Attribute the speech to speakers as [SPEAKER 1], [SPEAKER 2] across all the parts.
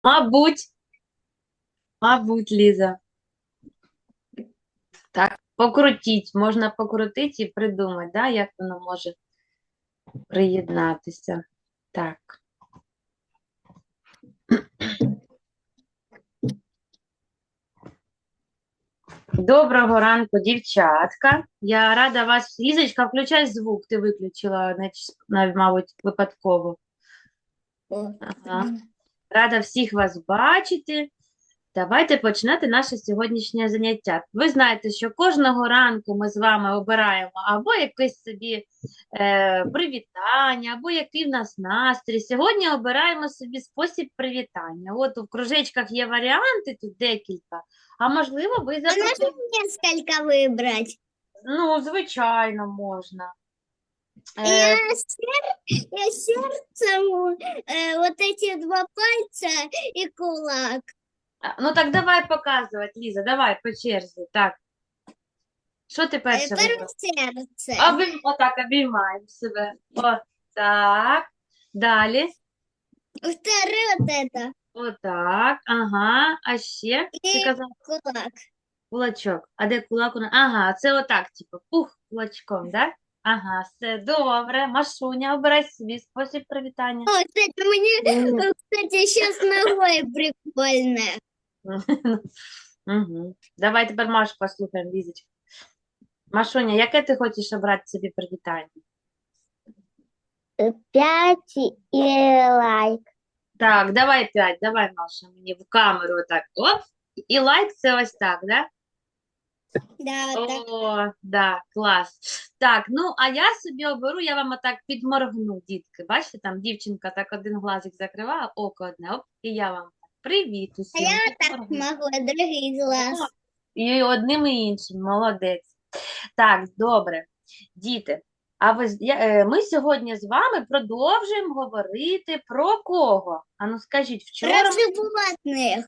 [SPEAKER 1] Мабуть, мабуть, Ліза. Так, покрутіть. Можна покрутити і придумати, да, як воно може приєднатися. Так. Доброго ранку, дівчатка. Я рада вас. Лізочка, включай звук. Ти виключила, мабуть, випадково.
[SPEAKER 2] О,
[SPEAKER 1] Ага. Рада всіх вас бачити. Давайте починати наше сьогоднішнє заняття. Ви знаєте, що кожного ранку ми з вами обираємо або якесь собі привітання, або який в нас настрій. Сьогодні обираємо собі спосіб привітання. От у кружечках є варіанти, тут декілька, а можливо, ви
[SPEAKER 2] а можно
[SPEAKER 1] запропонуєте.
[SPEAKER 2] несколько выбрать?
[SPEAKER 1] Ну, звичайно, можна.
[SPEAKER 2] Я,
[SPEAKER 1] Е,
[SPEAKER 2] я сердцем вот эти два пальца и кулак.
[SPEAKER 1] ну так давай показувати, Ліза, давай по черзі. Так, що ти перше
[SPEAKER 2] Первое
[SPEAKER 1] вибрала?
[SPEAKER 2] сердце.
[SPEAKER 1] Отак обіймаємо себе. Отак. Далі.
[SPEAKER 2] Второе вот это.
[SPEAKER 1] Отак. Ага. А ще ти
[SPEAKER 2] И
[SPEAKER 1] казав
[SPEAKER 2] кулак.
[SPEAKER 1] кулачок. А де кулак? Ага, це отак, типу, пух кулачком, да? Ага, все добре. Машуня, обирай собі спосіб привітання.
[SPEAKER 2] О, кстати, мне, кстати, сейчас ногой прикольно.
[SPEAKER 1] Угу. Давай тепер Машу послухаємо, Лізочка. Машуня, яке ти хочеш обрати собі привітання?
[SPEAKER 2] 5 и лайк.
[SPEAKER 1] Так, давай 5, давай, Маша, мені в камеру отак. Оп. І лайк це ось так, да?
[SPEAKER 2] Да, вот так.
[SPEAKER 1] О, да, клас. Так, ну, а я собі оберу, я вам отак підморгну, дітки. Бачите, там дівчинка так один глазик закриває, око одне, оп, і я вам так. Привіт
[SPEAKER 2] А
[SPEAKER 1] усім,
[SPEAKER 2] я так
[SPEAKER 1] підморгну.
[SPEAKER 2] могу, другий
[SPEAKER 1] О,
[SPEAKER 2] глаз.
[SPEAKER 1] і одним і іншим, молодець. Так, добре. Діти, а ми сьогодні з вами продовжуємо говорити про кого? Ану, скажіть,
[SPEAKER 2] Про
[SPEAKER 1] вчора
[SPEAKER 2] животных.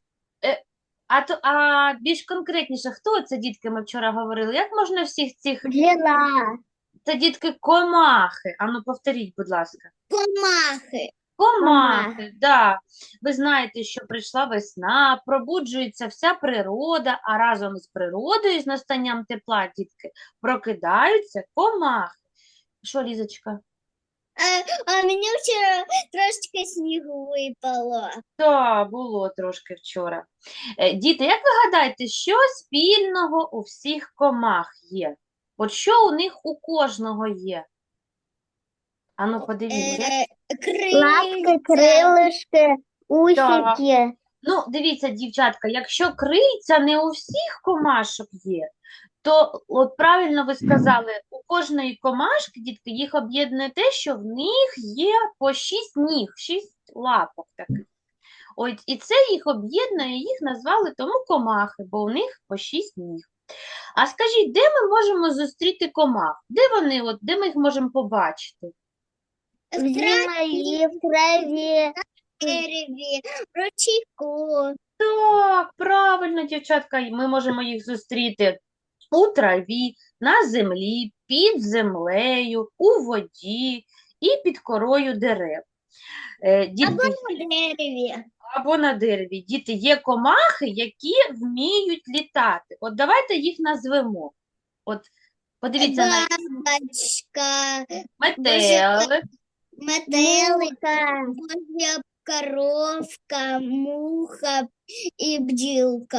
[SPEAKER 1] а більш конкретніше, хто це, дітки, ми вчора говорили? Як можна всіх цих
[SPEAKER 2] Взяла.
[SPEAKER 1] Це дітки комахи. Ану, повторіть, будь ласка.
[SPEAKER 2] Комахи.
[SPEAKER 1] Комахи, да. Ви знаєте, що прийшла весна, пробуджується вся природа, а разом з природою, з настанням тепла, дітки, прокидаються комахи. Що, Лізочка?
[SPEAKER 2] А мені вчора трошечки снігу випало.
[SPEAKER 1] Так, було трошки вчора. Діти, як ви гадаєте, що спільного у всіх комах є? От що у них у кожного є? Ану, подивіться.
[SPEAKER 2] Лапки, крилишки,
[SPEAKER 1] Так.
[SPEAKER 2] усики.
[SPEAKER 1] Ну, дивіться, дівчатка, якщо криця не у всіх комашок є, то от правильно ви сказали, у кожної комашки, дітки, їх об'єднує те, що в них є по 6 ніг, 6 лапок таких. Ось, і це їх об'єднує, їх назвали тому комахи, бо у них по 6 ніг. А скажіть, де ми можемо зустріти комах? Де вони, от, де ми їх можемо побачити?
[SPEAKER 2] В землі, в траві, в дереві, в ручейку.
[SPEAKER 1] Так, правильно, дівчатка, і ми можемо їх зустріти у траві, на землі, під землею, у воді і під корою дерев.
[SPEAKER 2] Або
[SPEAKER 1] Дітки,
[SPEAKER 2] на дереві.
[SPEAKER 1] або на дереві. Діти, є комахи, які вміють літати. От давайте їх назвемо. От подивіться на
[SPEAKER 2] Бабочка,
[SPEAKER 1] метелик,
[SPEAKER 2] метелика, божья коровка, муха і бджілка.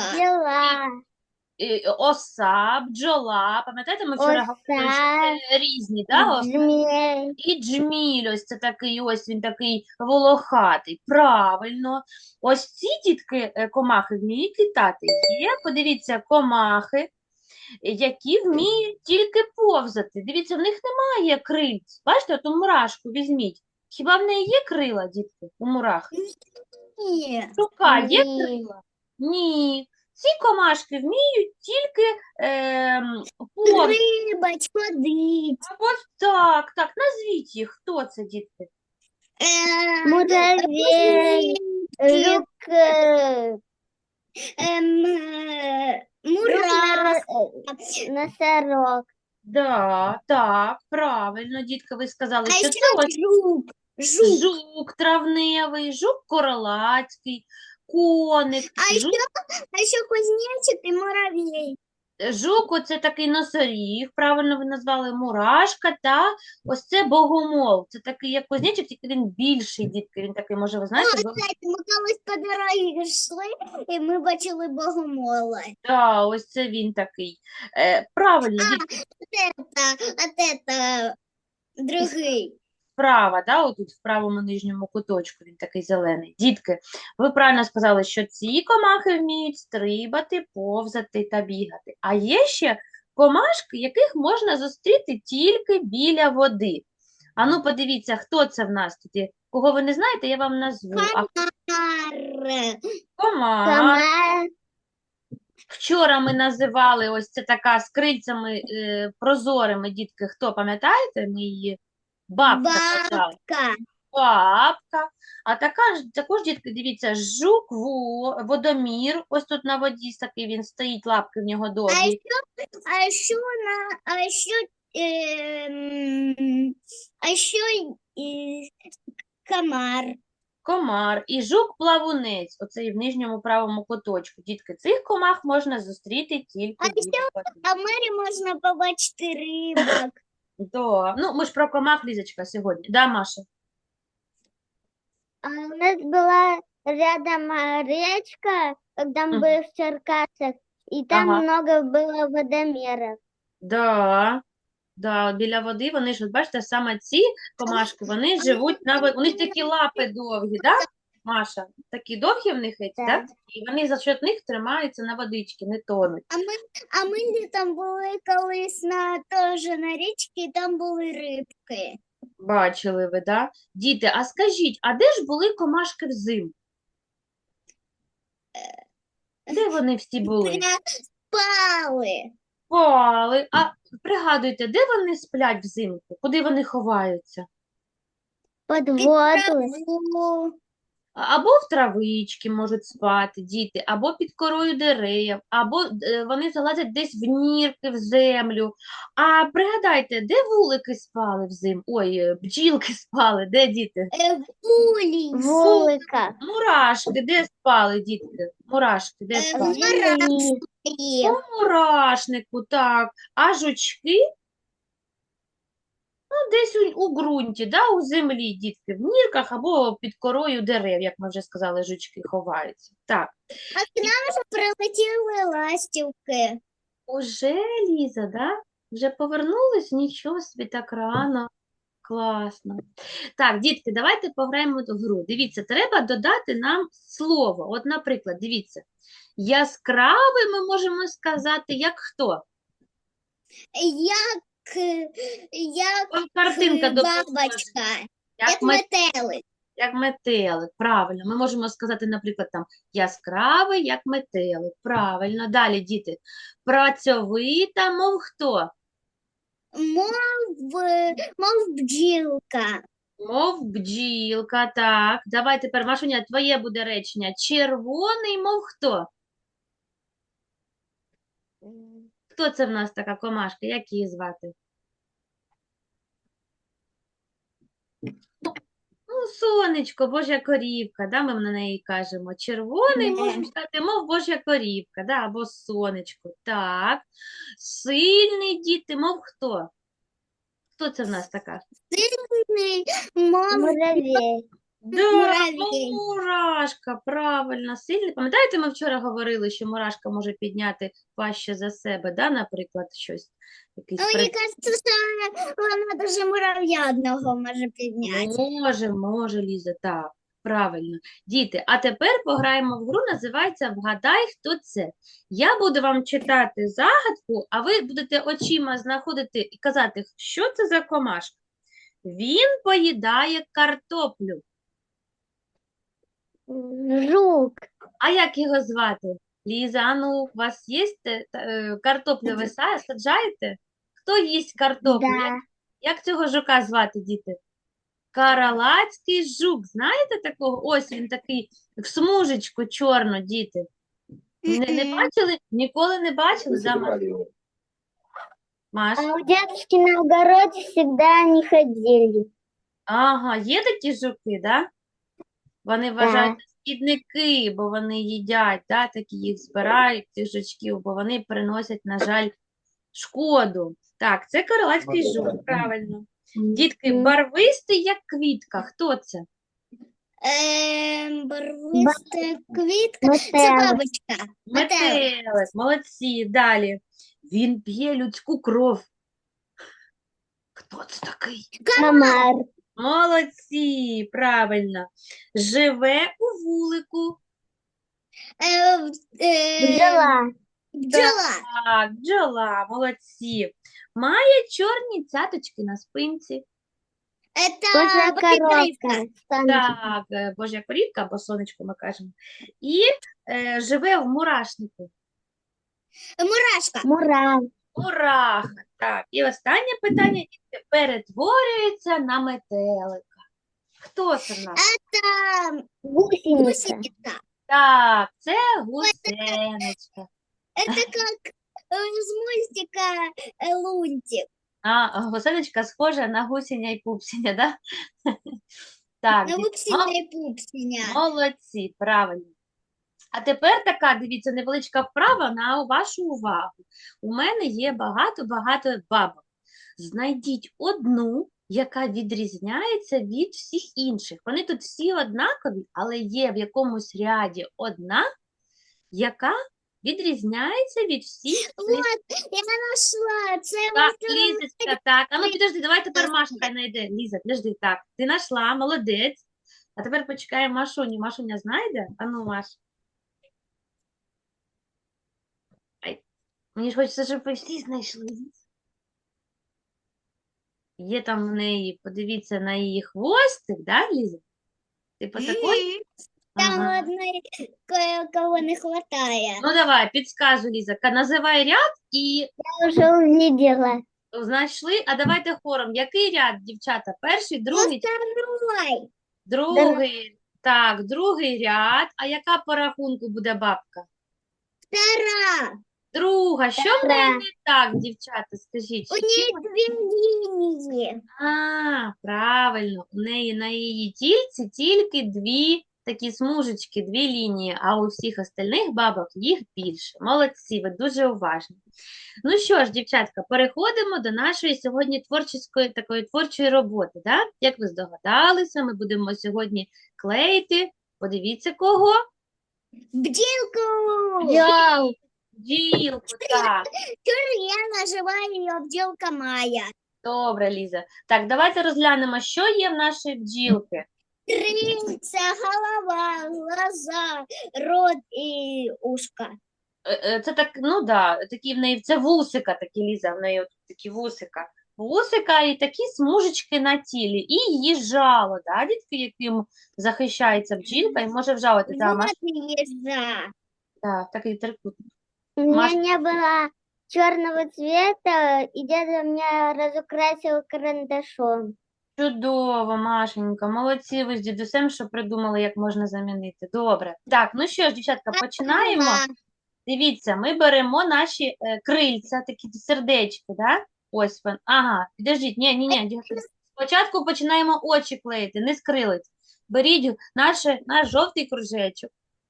[SPEAKER 1] оса, бджола. Пам'ятаєте, ми вчора говорили, що це різні, да, оси?
[SPEAKER 2] Змій.
[SPEAKER 1] І джміль, ось це такий, ось він такий волохатий. Правильно. Ось ці дітки, комахи, вміють літати. Є, подивіться, комахи, які вміють тільки повзати. Дивіться, в них немає крильць. Бачите, от у мурашку візьміть. Хіба в неї є крила, дітки, у мурахи?
[SPEAKER 2] Ні.
[SPEAKER 1] Рука є
[SPEAKER 2] Ні.
[SPEAKER 1] крила? Ні. Ці комашки вміють тільки повзати.
[SPEAKER 2] Рибач, ходить.
[SPEAKER 1] Або так, так, назвіть їх. Хто це, дітки?
[SPEAKER 2] Муравей, жук, мурах, носорог.
[SPEAKER 1] Да, так, правильно, дітки, ви сказали,
[SPEAKER 2] А
[SPEAKER 1] що
[SPEAKER 2] ще
[SPEAKER 1] це ось
[SPEAKER 2] жук. Жук.
[SPEAKER 1] жук травневий, жук королацький, коник,
[SPEAKER 2] А еще кузнечик и муравей.
[SPEAKER 1] жук, оце такий носоріг, правильно ви назвали, мурашка, та ось це богомол. Це такий, як кузнечик, тільки він більший, дітки. Він такий, може, ви знаєте,
[SPEAKER 2] Кстати, ми колись по дорозі йшли, і ми бачили богомола.
[SPEAKER 1] да, ось це він такий. Правильно, дітки,
[SPEAKER 2] Это другий.
[SPEAKER 1] справа, да, отут в правому нижньому куточку він такий зелений. Дітки, ви правильно сказали, що ці комахи вміють стрибати, повзати та бігати. А є ще комашки, яких можна зустріти тільки біля води. А ну подивіться, хто це в нас тут є. Кого ви не знаєте, я вам назву. А
[SPEAKER 2] Комар.
[SPEAKER 1] комар.
[SPEAKER 2] Комар.
[SPEAKER 1] Вчора ми називали ось це така з крильцями прозорими, дітки. Хто пам'ятаєте? Ми її бабка казала.
[SPEAKER 2] Бабка.
[SPEAKER 1] Бабка. А також, дітки, дивіться, жук водомір. Ось тут на воді такий він стоїть, лапки в нього довгі.
[SPEAKER 2] А еще комар.
[SPEAKER 1] Комар і жук-плавунець, оцей в нижньому правому куточку. Дітки, цих комах можна зустріти тільки
[SPEAKER 2] А
[SPEAKER 1] біля води.
[SPEAKER 2] А в морі можна побачити рибок.
[SPEAKER 1] Да. Ну, ми ж про комах, Лізочка, сьогодні. Да, Маша?
[SPEAKER 2] А у нас была рядом речка, когда мы
[SPEAKER 1] Мгм.
[SPEAKER 2] были в Черкасах, и там
[SPEAKER 1] Ага.
[SPEAKER 2] много было водомеров.
[SPEAKER 1] Да. Да, от біля води вони ж, от бачите, саме ці комашки, вони живуть на воді. У них такі лапи довгі, да, Маша? Такі довгі в них, да?
[SPEAKER 2] Так.
[SPEAKER 1] І вони за счет них тримаються на водичці, не тонуть.
[SPEAKER 2] А ми літом були колись теж на річці, і там були рибки.
[SPEAKER 1] Бачили ви, да? Діти, а скажіть, а де ж були комашки взимку? Де вони всі були?
[SPEAKER 2] Спали.
[SPEAKER 1] Спали. А пригадуйте, де вони сплять взимку? Куди вони ховаються?
[SPEAKER 2] Під воду.
[SPEAKER 1] Або в травички можуть спати діти, або під корою дерев, або вони залазять десь в нірки, в землю. А пригадайте, де вулики спали взимку? Ой, бджілки спали, де діти?
[SPEAKER 2] Вулика.
[SPEAKER 1] Мурашки, де спали, дітки? Мурашки, де спали? У мурашнику, так. А жучки? Ну, десь у ґрунті, да, у землі, дітки, в нірках або під корою дерев, як ми вже сказали, жучки ховаються. Так,
[SPEAKER 2] А к нам вже прилетіли ластівки.
[SPEAKER 1] уже, Ліза, да? Вже повернулись? Нічого собі, так рано. Класно. Так, дітки, давайте пограємо в гру. Дивіться, треба додати нам слово. От, наприклад, дивіться, яскравий ми можемо сказати, як хто?
[SPEAKER 2] Як
[SPEAKER 1] Ось картинка допоможе.
[SPEAKER 2] бабочка,
[SPEAKER 1] Як
[SPEAKER 2] як метелик.
[SPEAKER 1] Як метелик, правильно. Ми можемо сказати, наприклад, там яскравий, як метелик. Правильно. Далі, діти. Працьовита, мов хто?
[SPEAKER 2] Мов бджілка.
[SPEAKER 1] Мов бджілка, так. Давай тепер, Машуня, твоє буде речення. Червоний, мов хто? Хто це в нас така комашка? Як її звати? Ну, сонечко, Божа корівка, да, ми на неї кажемо. Червоний, можемо сказати, мов Божа корівка, да, або сонечко. Так. Сильний, діти, мов хто? Хто це в нас така?
[SPEAKER 2] Мов муравей.
[SPEAKER 1] Да,
[SPEAKER 2] Муравей.
[SPEAKER 1] мурашка, правильно, сильний. Пам'ятаєте, ми вчора говорили, що мурашка може підняти важче за себе, да, наприклад, щось, якийсь
[SPEAKER 2] Мені кажется, що вона даже мурав'я одного може підняти.
[SPEAKER 1] Може, Ліза, так, правильно. Діти, а тепер пограємо в гру, називається «Вгадай, хто це». Я буду вам читати загадку, а ви будете очима знаходити і казати, що це за комашка. Він поїдає картоплю.
[SPEAKER 2] Жук.
[SPEAKER 1] А як його звати? Ліза, а ну, у вас є картоплю ви саджаєте? Хто їсть картоплю?
[SPEAKER 2] Да.
[SPEAKER 1] Як цього жука звати, діти? Каралацький жук. Знаєте такого? Ось він такий в смужечку чорну, діти. Не бачили? Ніколи не бачили? Да, Маш?
[SPEAKER 2] А у дедушки на огороде всегда они ходили.
[SPEAKER 1] Ага, є такі жуки, да? Вони вважають шкідники, бо вони їдять, да, такі їх збирають, цих жучків, бо вони приносять, на жаль, шкоду. Так, це крилатський жук, правильно. Дітки, барвистий, як квітка. Хто це?
[SPEAKER 2] Барвиста квітка. Це бабочка. Метелик.
[SPEAKER 1] Метелик. Молодці. Далі. Він п'є людську кров. Хто це такий?
[SPEAKER 2] Комар.
[SPEAKER 1] Молодці, правильно. Живе у вулику.
[SPEAKER 2] Бджола.
[SPEAKER 1] Так, бджола, молодці. Має чорні цяточки на спинці.
[SPEAKER 2] Это коровка.
[SPEAKER 1] Так, божа корівка, або сонечко ми кажемо. І живе в мурашнику.
[SPEAKER 2] Мурашка.
[SPEAKER 1] Мураха. Так, і останнє питання. Дітки, перетворюється на метелика. Хто це в нас?
[SPEAKER 2] Это гусеница.
[SPEAKER 1] Так, це гусеничка.
[SPEAKER 2] Это как из мультика Лунтик.
[SPEAKER 1] А, гусеничка схожа на гусеня і пупсеня, да? Так,
[SPEAKER 2] На
[SPEAKER 1] дітки,
[SPEAKER 2] Пупсиня и Пупсиня.
[SPEAKER 1] молодці, правильно. А тепер така, дивіться, невеличка вправа на вашу увагу. У мене є багато-багато бабок. Знайдіть одну, яка відрізняється від всіх інших. Вони тут всі однакові, але є в якомусь ряді одна, яка відрізняється від всіх цих.
[SPEAKER 2] Вот, я нашла. Це
[SPEAKER 1] Так, Лізочка, так. А ну підожди, давай тепер Маша хай знайде. Ліза, підожди, так. Ти знайшла, молодець. А тепер почекаємо Машуню. Машуня знайде? А ну, Маш. Ай, мені ж хочеться, щоб ви всі знайшли. Є там в неї, подивіться на її хвостик, да, Ліза? Типу такой?
[SPEAKER 2] Там
[SPEAKER 1] Ага.
[SPEAKER 2] одної кого не хватає.
[SPEAKER 1] Ну давай, підсказуй, Ліза. Називай ряд і
[SPEAKER 2] Я вже увидела.
[SPEAKER 1] знайшли. А давайте хором. Який ряд, дівчата? Перший, другий,
[SPEAKER 2] Второй.
[SPEAKER 1] другий. Так, другий ряд. А яка по рахунку буде бабка?
[SPEAKER 2] Втора.
[SPEAKER 1] Друга. Що в неї не так, дівчата? Скажіть.
[SPEAKER 2] У неї дві лінії.
[SPEAKER 1] А, правильно. У неї на її тільці тільки дві такі смужечки, дві лінії, а у всіх остальних бабок їх більше. Молодці, ви дуже уважні. Ну що ж, дівчатка, переходимо до нашої сьогодні творчої роботи. Да? Як ви здогадалися, ми будемо сьогодні клеїти. Подивіться кого?
[SPEAKER 2] Бджілку.
[SPEAKER 1] Бджілку, так.
[SPEAKER 2] Я називаю її бджілка Майя.
[SPEAKER 1] Добре, Ліза. Так, давайте розглянемо, що є в нашої бджілки.
[SPEAKER 2] Крильця, голова, глаза, рот і ушка.
[SPEAKER 1] Це так, ну да, такі в неї, це вусика, такі, Ліза, в неї от такі вусика. Вусика і такі смужечки на тілі. І її жало, да, дітки, яким захищається бджілка і може вжалити. Да, Маш?
[SPEAKER 2] Вот езжа.
[SPEAKER 1] Так, такий трикутник.
[SPEAKER 2] У меня
[SPEAKER 1] Маш-
[SPEAKER 2] не было черного цвета, и дядя меня разукрасил карандашом.
[SPEAKER 1] Чудово, Машенька, молодці ви з дідусем, що придумали, як можна замінити. Добре. Так, ну що ж, дівчатка, починаємо. Дивіться, ми беремо наші крильця, такі сердечки, да? Ось він. Ага, підождіть, ні, дівчатка. Спочатку починаємо очі клеїти, не з крилиць. Беріть наш жовтий кружечок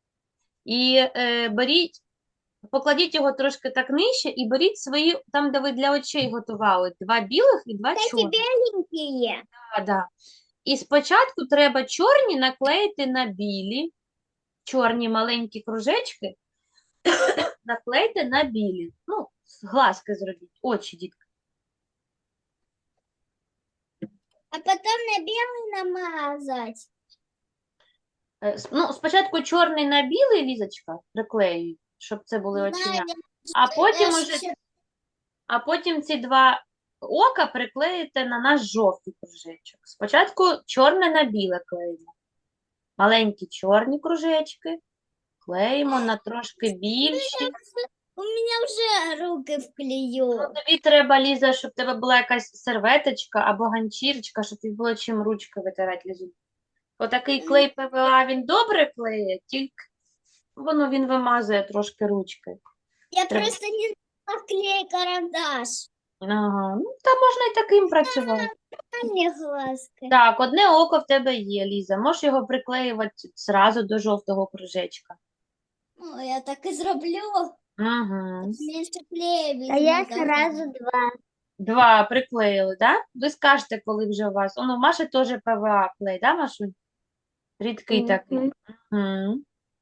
[SPEAKER 1] і покладіть його трошки так нижче і беріть свої, там, де ви для очей готували, два білих і два чорних.
[SPEAKER 2] Беленькие.
[SPEAKER 1] Да. І спочатку треба чорні наклеїти на білі, чорні маленькі кружечки наклейте на білі. Ну, глазки зробіть, очі, дітки.
[SPEAKER 2] А потом на белый намазать.
[SPEAKER 1] Ну, спочатку чорний на білий, Лізочка, приклеюють, щоб це були оченя.
[SPEAKER 2] Знаю,
[SPEAKER 1] А потім
[SPEAKER 2] я
[SPEAKER 1] уже,
[SPEAKER 2] ще-
[SPEAKER 1] а потім ці два ока приклеїте на наш жовтий кружечок. Спочатку чорне на біле клеїмо. Маленькі чорні кружечки клеїмо на трошки більші.
[SPEAKER 2] У меня уже руки вклею.
[SPEAKER 1] Тобі треба, Ліза, щоб в тебе була якась серветочка або ганчірочка, щоб тобі було чим ручки витирати, Лізу. Отакий клей ПВА, він добре клеє, тільки він вимазує трошки ручки.
[SPEAKER 2] Я
[SPEAKER 1] Треба.
[SPEAKER 2] просто не знала клей карандаш.
[SPEAKER 1] Ага, ну, та можна і таким працювати.
[SPEAKER 2] А мне глазки.
[SPEAKER 1] Так, одне око в тебе є, Ліза. Можеш його приклеювати зразу до жовтого кружечка.
[SPEAKER 2] Ну, я так и зроблю.
[SPEAKER 1] Угу.
[SPEAKER 2] Меньше клея
[SPEAKER 3] А я
[SPEAKER 2] візьму, так.
[SPEAKER 3] сразу два.
[SPEAKER 1] Два приклеїли, да? Ви скажете, коли вже у вас. Воно, в Маші теж ПВА клей, да, Машунь? Рідкий такий.
[SPEAKER 3] Мгм.
[SPEAKER 1] Угу.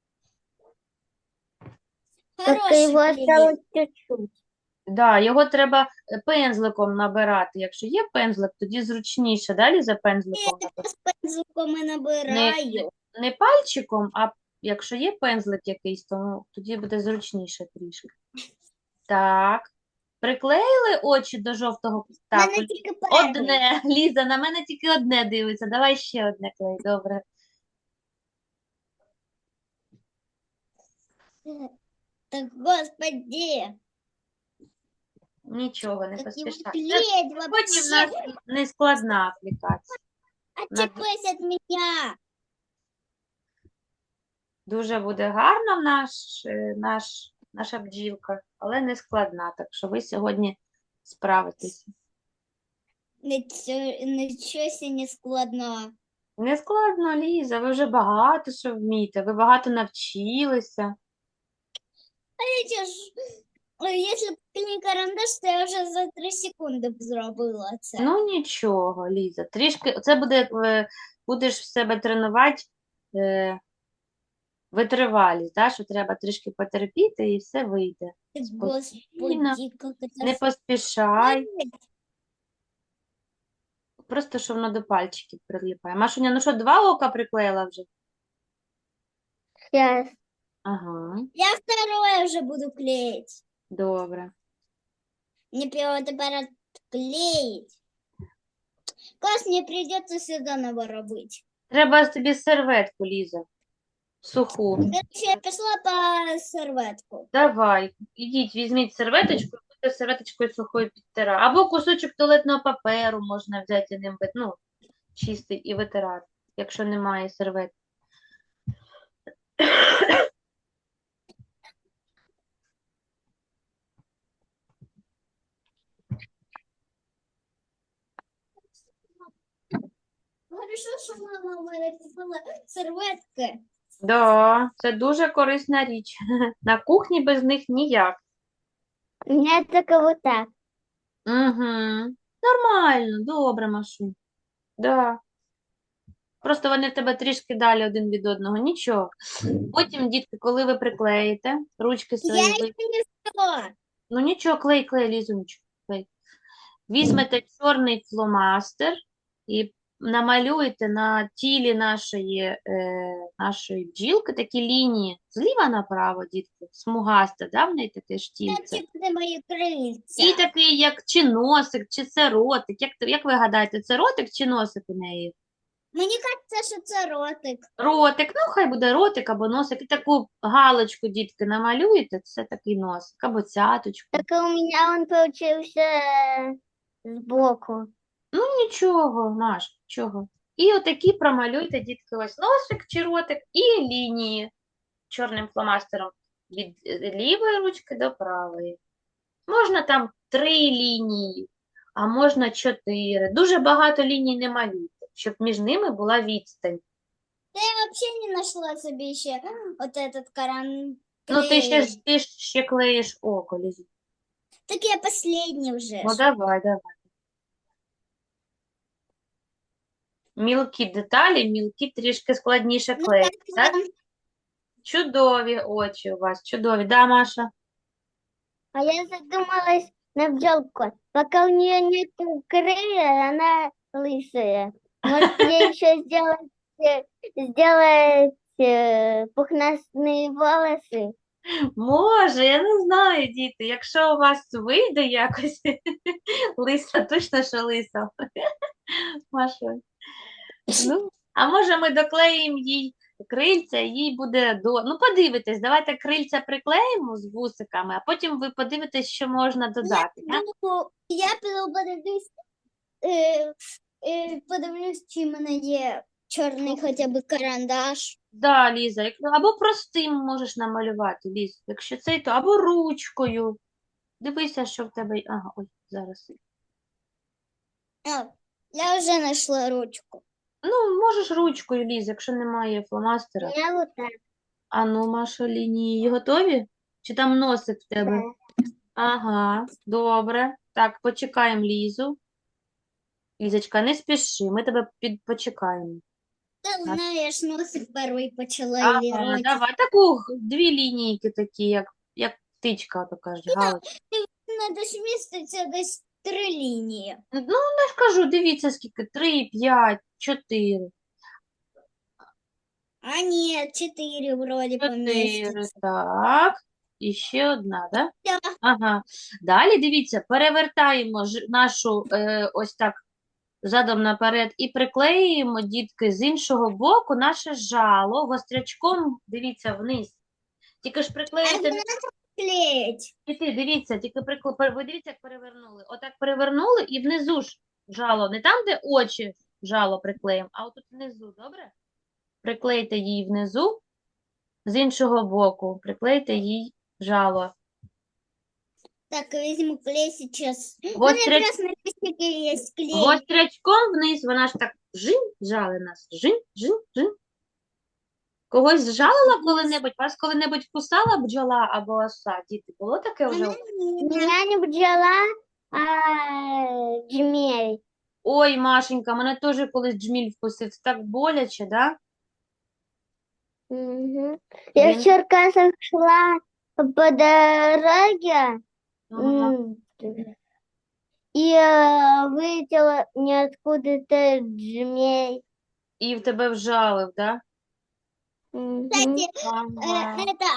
[SPEAKER 3] Только
[SPEAKER 2] Хороший
[SPEAKER 3] его
[SPEAKER 2] клей.
[SPEAKER 3] осталось чуть-чуть.
[SPEAKER 1] Да, його треба пензликом набирати. Якщо є пензлик, тоді зручніше, да, Ліза, пензликом набирати?
[SPEAKER 2] З пензликом і набираю.
[SPEAKER 1] Не пальчиком, а якщо є пензлик якийсь, то ну, тоді буде зручніше трішки. Так. Приклеїли очі до жовтого? Так,
[SPEAKER 2] Мене тільки перший.
[SPEAKER 1] одне. Ліза, на мене тільки одне дивиться. Давай ще одне клей. Добре.
[SPEAKER 2] Так, господи,
[SPEAKER 1] Нічого, не
[SPEAKER 2] как его
[SPEAKER 1] поспішай.
[SPEAKER 2] клеить
[SPEAKER 1] Сьогодні в нас
[SPEAKER 2] вообще?
[SPEAKER 1] не складна аплікація.
[SPEAKER 2] Отчепись от меня.
[SPEAKER 1] Дуже буде гарна наша бджілка, але не складна. Так що ви сьогодні справитеся.
[SPEAKER 2] Ничего себе не складно.
[SPEAKER 1] Не складно, Ліза, ви вже багато що вмієте, ви багато навчилися.
[SPEAKER 2] Если б не карандаш, то я вже за 3 секунди б зробила це.
[SPEAKER 1] Ну нічого, Ліза, трішки, це буде, будеш в себе тренувати витривалість, да? Що треба трішки потерпіти і все вийде.
[SPEAKER 2] Господи, как это
[SPEAKER 1] Не поспішай, просто що воно до пальчиків прилипає. Машуня, ну що, два ока приклеїла вже?
[SPEAKER 3] Сейчас.
[SPEAKER 1] Ага,
[SPEAKER 2] Я второе вже буду клеить.
[SPEAKER 1] добре.
[SPEAKER 2] Мне прямо тепер клеить. Класс, мне придется сюда наворобить.
[SPEAKER 1] Треба тобі серветку, Ліза, суху.
[SPEAKER 2] Короче, я пішла по серветку.
[SPEAKER 1] Давай, ідіть, візьміть серветочку, і будете серветочкою сухою підтирати. Або кусочок туалетного паперу можна взяти ним, ну, чистий і витирати, якщо немає серветки.
[SPEAKER 2] Хорошо, що мама у мене купила серветки.
[SPEAKER 1] Да, це дуже корисна річ. На кухні без них ніяк.
[SPEAKER 3] У меня только вот так.
[SPEAKER 1] Угу. Нормально, добре, Машу. Да. Просто вони в тебе трішки далі один від одного. Нічого. Потім, дітки, коли ви приклеїте ручки
[SPEAKER 2] Я
[SPEAKER 1] свої,
[SPEAKER 2] ще не взяла.
[SPEAKER 1] ну нічого, клей, Лізунечко, клей. Візьмете чорний фломастер і намалюєте на тілі нашої бджілки такі лінії зліва направо, дітки, смугасте, да, в неї таке штільце.
[SPEAKER 2] Це буде мої крильця.
[SPEAKER 1] І такий, як чи носик, чи це ротик. Як ви гадаєте, це ротик чи носик у неї?
[SPEAKER 2] Мені кажеться, що це ротик.
[SPEAKER 1] Ротик, ну хай буде ротик або носик. І таку галочку, дітки, намалюєте, це такий носик, або цяточку.
[SPEAKER 3] Только у меня он получился сбоку.
[SPEAKER 1] Ну нічого, Маш, нічого. І отакі промалюйте, дітки, ось носик чи ротик і лінії чорним фломастером від лівої ручки до правої. Можна там 3 лінії, а можна 4. Дуже багато ліній не малюйте, щоб між ними була відстань.
[SPEAKER 2] Я взагалі не знайшла собі ще от этот каран.
[SPEAKER 1] Ну, ти ще клеїш око, Лізі.
[SPEAKER 2] Так я последний вже.
[SPEAKER 1] Ну, давай. Мілкі деталі, мілкі трішки складніше
[SPEAKER 2] Ну,
[SPEAKER 1] клеїти, так?
[SPEAKER 2] там
[SPEAKER 1] Чудові очі у вас, чудові. Да, Маша?
[SPEAKER 3] А я задумалась на бджелку. Пока у нее нет крылья, она лысая. Может, ей еще сделать пухнастые волосы?
[SPEAKER 1] Може, я не знаю, діти. Якщо у вас вийде якось лиса, точно, що лиса. Маша. Ну, а може ми доклеїмо їй крильця, і їй буде Ну, подивитесь, давайте крильця приклеїмо з вусиками, а потім ви подивитесь, що можна додати. Так?
[SPEAKER 2] я піду подивлюсь, чи в мене є чорний хоча б карандаш.
[SPEAKER 1] Да, Ліза, або простим можеш намалювати, Ліз. Якщо це, то або ручкою. Дивися, що в тебе. Ага, ой, зараз.
[SPEAKER 2] А, я вже знайшла ручку.
[SPEAKER 1] Ну, можеш ручкою, Ліз, якщо немає фломастера.
[SPEAKER 3] Я вот так.
[SPEAKER 1] А ну, Маша, лінії готові? Чи там носик в тебе? Ага, добре. Так, почекаємо Лізу. Лізочка, не спіши, ми тебе почекаємо.
[SPEAKER 2] Та знаєш, носик перший почала
[SPEAKER 1] Ага,
[SPEAKER 2] вірити.
[SPEAKER 1] давай, таку дві лінійки такі, як птичка, то кажуть, галочка.
[SPEAKER 2] Надо ж міститься десь 3 лінії.
[SPEAKER 1] Ну, я ж кажу, дивіться, скільки, 3, 5, 4.
[SPEAKER 2] А ні, 4 вроді
[SPEAKER 1] 4,
[SPEAKER 2] поміститься.
[SPEAKER 1] так. І ще одна, да?
[SPEAKER 2] Да.
[SPEAKER 1] Ага. Далі, дивіться, перевертаємо нашу ось так задом наперед і приклеюємо, дітки, з іншого боку наше жало гострячком, дивіться, вниз. Тільки ж
[SPEAKER 2] А
[SPEAKER 1] приклеїте,
[SPEAKER 2] вона клеїть.
[SPEAKER 1] діти, дивіться, тільки ви дивіться, як перевернули. Отак перевернули і внизу ж жало, не там, де очі жало приклеїмо, а отут внизу, добре? Приклейте її внизу, з іншого боку, приклейте їй жало.
[SPEAKER 2] Так, візьму клей зараз. У
[SPEAKER 1] Вот
[SPEAKER 2] мене якраз на листике є клей.
[SPEAKER 1] Гострячком вниз, вона ж так жинь, жали нас. Жинь, жинь, жинь. Когось зжалила коли-небудь? Вас коли-небудь кусала бджола або оса? Діти, було таке вже?
[SPEAKER 2] Вона ні.
[SPEAKER 3] Меня не бджола, а джмель.
[SPEAKER 1] Ой, Машенька, мене теж колись джміль вкусив. Це так боляче, да?
[SPEAKER 3] Мгм. Я
[SPEAKER 1] Він-
[SPEAKER 3] в Черкасах шла по дороге
[SPEAKER 1] Ага.
[SPEAKER 3] и вылетела ниоткуда-то джмель.
[SPEAKER 1] І в тебе вжалив, да?
[SPEAKER 3] Мгм.
[SPEAKER 2] Кстати,
[SPEAKER 1] Ага.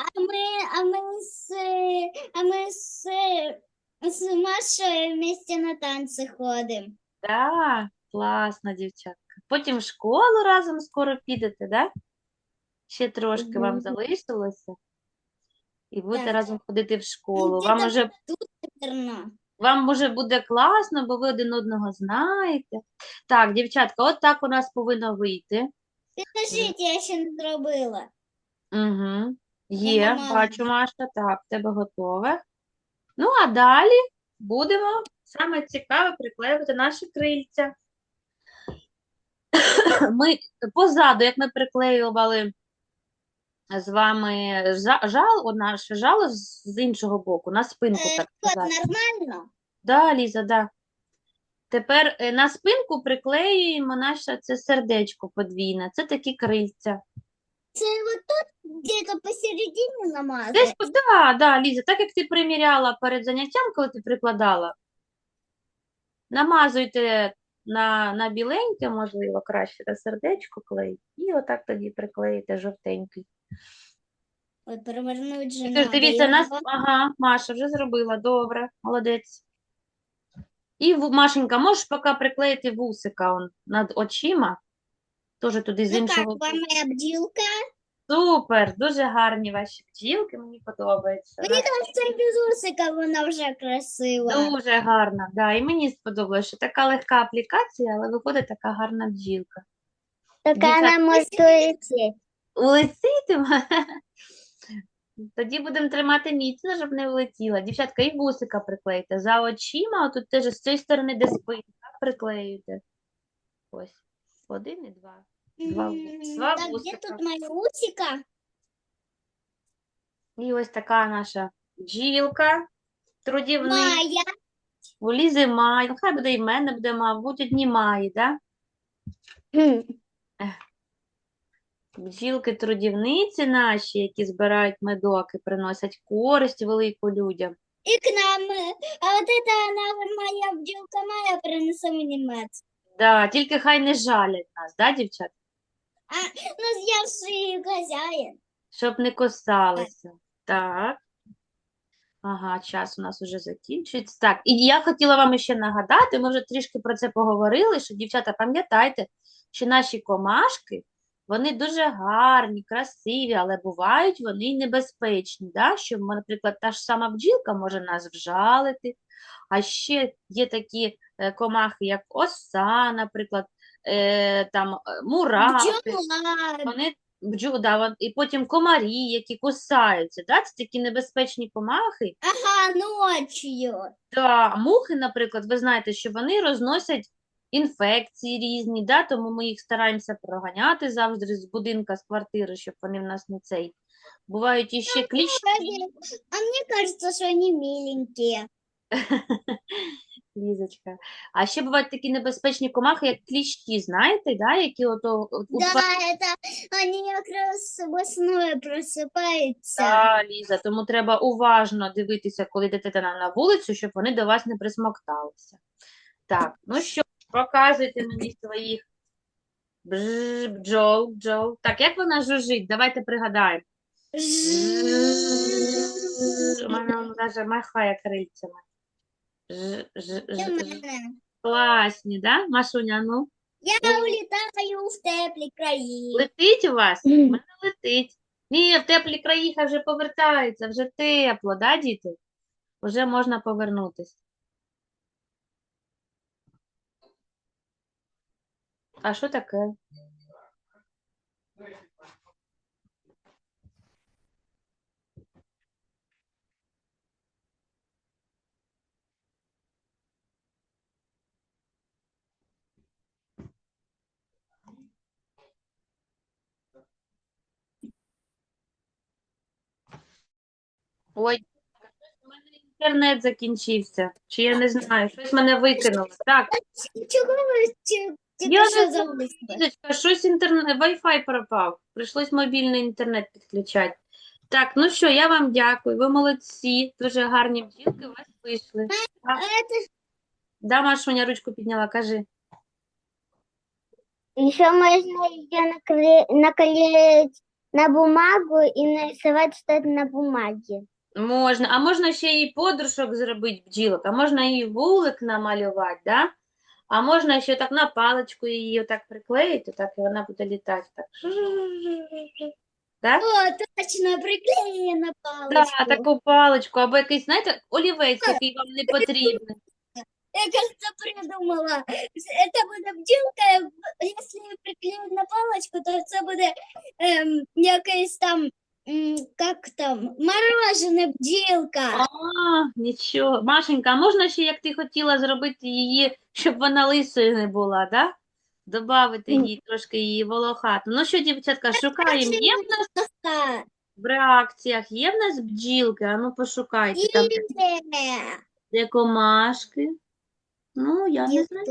[SPEAKER 2] а мы с Машей вместе на танцы ходим.
[SPEAKER 1] Да, класно, дівчатка. Потім в школу разом скоро підете, да? Ще трошки вам
[SPEAKER 3] Мгм.
[SPEAKER 1] залишилося. І будете
[SPEAKER 2] Так.
[SPEAKER 1] разом ходити в школу.
[SPEAKER 2] Ну,
[SPEAKER 1] Вам
[SPEAKER 2] где-то
[SPEAKER 1] уже
[SPEAKER 2] Наверно.
[SPEAKER 1] Вам може буде класно, бо ви один одного знаєте. Так, дівчатка, от так у нас повинно вийти.
[SPEAKER 2] Підкажіть, я ще не зробила.
[SPEAKER 1] Угу. Є,
[SPEAKER 2] мама.
[SPEAKER 1] бачу, Маша, так, в тебе готове. Ну, а далі будемо саме цікаве приклеювати наші крильця. Ми позаду, як ми приклеювали з вами наше жало з іншого боку, на спинку, так
[SPEAKER 2] От
[SPEAKER 1] сказати.
[SPEAKER 2] нормально?
[SPEAKER 1] Да, Ліза, да. Тепер на спинку приклеюємо наше це сердечко подвійне. Це такі крильця.
[SPEAKER 2] Це вот тут где-то посередине намазати?
[SPEAKER 1] Десь, да, Ліза, так як ти приміряла перед заняттям, коли ти прикладала, намазуйте на біленьке, можливо, краще на сердечко клей, і отак тоді приклеїте жовтенький.
[SPEAKER 2] Ой, перевернуть же
[SPEAKER 1] І
[SPEAKER 2] надо.
[SPEAKER 1] тож дивіться,
[SPEAKER 2] його.
[SPEAKER 1] ага, Маша вже зробила, добре, молодець. І, Машенька, можеш поки приклеїти вусика над очима, теж туди з
[SPEAKER 2] Ну
[SPEAKER 1] іншого
[SPEAKER 2] как, вам
[SPEAKER 1] боку.
[SPEAKER 2] моя бджілка?
[SPEAKER 1] Супер, дуже гарні ваші бджілки, мені подобається.
[SPEAKER 2] Мені кажется, без усика вона вже красива.
[SPEAKER 1] Дуже гарна, да, і мені сподобалося, що така легка аплікація, але виходить така гарна бджілка.
[SPEAKER 3] Так
[SPEAKER 1] Дівчат-
[SPEAKER 3] она может улететь.
[SPEAKER 1] Улетітиме? Тоді будемо тримати міцно, щоб не влетіла. Дівчатка, і вусика приклейте. За очима, отут теж з цієї сторони, де спинка, приклеюйте. Ось, один і два. Два
[SPEAKER 2] Так, де
[SPEAKER 1] вусика.
[SPEAKER 2] тут моя усика?
[SPEAKER 1] І ось така наша бджілка. Трудівник.
[SPEAKER 2] Моя.
[SPEAKER 1] У Лізи має. Ну, хай буде і в мене буде, мабуть, одні маї, да?
[SPEAKER 3] Хм.
[SPEAKER 1] Бджілки-трудівниці наші, які збирають медок і приносять користь велику людям.
[SPEAKER 2] И к нам. А вот это она, моя бджілка моя, принесла мені мед.
[SPEAKER 1] Да, тільки хай не жалять нас, да, дівчат?
[SPEAKER 2] Ну, я ж її хазяїн.
[SPEAKER 1] Щоб не кусалися. Так. Ага, час у нас уже закінчується. Так, і я хотіла вам ще нагадати, ми вже трішки про це поговорили, що, дівчата, пам'ятайте, що наші комашки, вони дуже гарні, красиві, але бувають вони й небезпечні, да? Що, наприклад, та ж сама бджілка може нас вжалити, а ще є такі комахи, як оса, наприклад, мурахи.
[SPEAKER 2] Бджола.
[SPEAKER 1] Вони і потім комарі, які кусаються, да? Це такі небезпечні комахи.
[SPEAKER 2] Ага, ночью.
[SPEAKER 1] Та мухи, наприклад, ви знаєте, що вони розносять інфекції різні, да? Тому ми їх стараємося проганяти завжди з будинка, з квартири, щоб вони в нас не цей. Бувають іще кліщі.
[SPEAKER 2] А мне кажется, что они миленькие.
[SPEAKER 1] Лізочка. А ще бувають такі небезпечні комахи, як кліщі, знаєте, да? Які
[SPEAKER 2] Да, это они как раз весной просыпаются.
[SPEAKER 1] Да, Ліза, тому треба уважно дивитися, коли йдете на вулицю, щоб вони до вас не присмокталися. Так, ну що, показуйте мені своїх бджол. Так, як вона жужжить? Давайте пригадаємо. Вона навіть махає крильцями. Класні, да? Машуня, ну?
[SPEAKER 2] Я улетаю в теплі краї.
[SPEAKER 1] Летить у вас? У мене летить. Ні, в теплі краї хай вже повертається, вже тепло, да, діти? Вже можна повернутися. А що таке? Ой, у мене інтернет закінчився. Чи я не знаю, щось мене викинуло. Так,
[SPEAKER 2] Чого ви
[SPEAKER 1] я не
[SPEAKER 2] що
[SPEAKER 1] знаю,
[SPEAKER 2] забули?
[SPEAKER 1] Лізочка, щось Wi-Fi пропав. Прийшлось мобільний інтернет підключати. Так, ну що, я вам дякую. Ви молодці. Дуже гарні бджілки у вас вийшли. Так.
[SPEAKER 2] Это
[SPEAKER 1] Да, Машуня ручку підняла, кажи.
[SPEAKER 3] Еще можно ее наклеить на бумагу и нарисовать что-то на бумаге.
[SPEAKER 1] Можна. А можна ще і подружок зробити бджілок, а можна і вулик намалювати, да? А можна ще так на паличку її отак приклеїти, так, і вона буде літати. Так. Так?
[SPEAKER 2] О, точно, приклеєна на
[SPEAKER 1] Да,
[SPEAKER 2] паличку.
[SPEAKER 1] таку паличку, або якийсь, знаєте, олівець, який вам не потрібний.
[SPEAKER 2] Я, кажется, придумала. Это буде бджілка, якщо приклеїти на паличку, то це буде якась там, як там, морожене бджілка.
[SPEAKER 1] А, нічого. Машенька, а можна ще, як ти хотіла зробити її, щоб вона лисою не була, да? Добавити їй трошки її волохату. Ну що, дівчатка, шукаємо. Є в нас
[SPEAKER 2] Ха,
[SPEAKER 1] в реакціях, є в нас бджілки? А ну пошукайте. Там
[SPEAKER 2] є.
[SPEAKER 1] де комашки. Ну, я не знаю.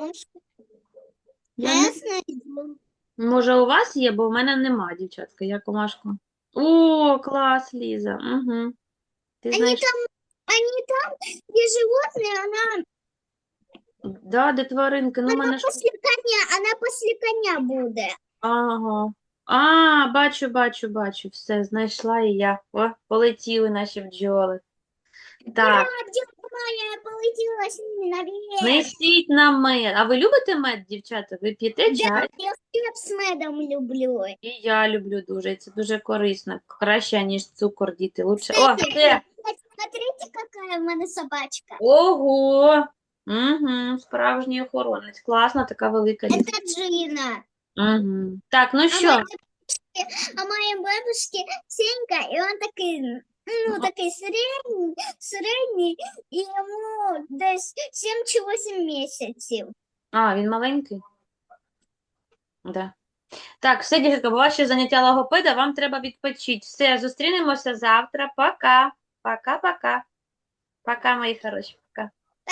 [SPEAKER 1] Я не...
[SPEAKER 2] знайду.
[SPEAKER 1] Може, у вас є, бо в мене нема, дівчатка, я комашку. О, клас, Ліза. Угу. Ти знаєш,
[SPEAKER 2] Они там, где животные, она,
[SPEAKER 1] да, де тваринки, ну, в мене ж...
[SPEAKER 2] она после коня будет.
[SPEAKER 1] Ага. А, бачу, все, знайшла і я. О, полетіли наші бджоли. Так,
[SPEAKER 2] Бджілка моя полетіла з ними наверх.
[SPEAKER 1] несіть нам мед. А ви любите мед, дівчата? Ви п'єте чай?
[SPEAKER 2] Я хліб з медом люблю.
[SPEAKER 1] І я люблю дуже, і це дуже корисно. Краще, ніж цукор, діти. Лучше. О, все.
[SPEAKER 2] Смотрите, какая в мене собачка.
[SPEAKER 1] Ого. Угу, справжній охоронець. Класна, така велика.
[SPEAKER 2] Это Джина.
[SPEAKER 1] Угу. Так, ну що?
[SPEAKER 2] А моей бабушке Сенька, и он такой, ну, такой средний, и ему десь 7 чи 8 місяців.
[SPEAKER 1] А, він маленький? Да. Так, все, дівчатка, бо ваше заняття логопеда, вам треба відпочити. Все, зустрінемося завтра. Пока. Пока-пока. Пока, мої хороші.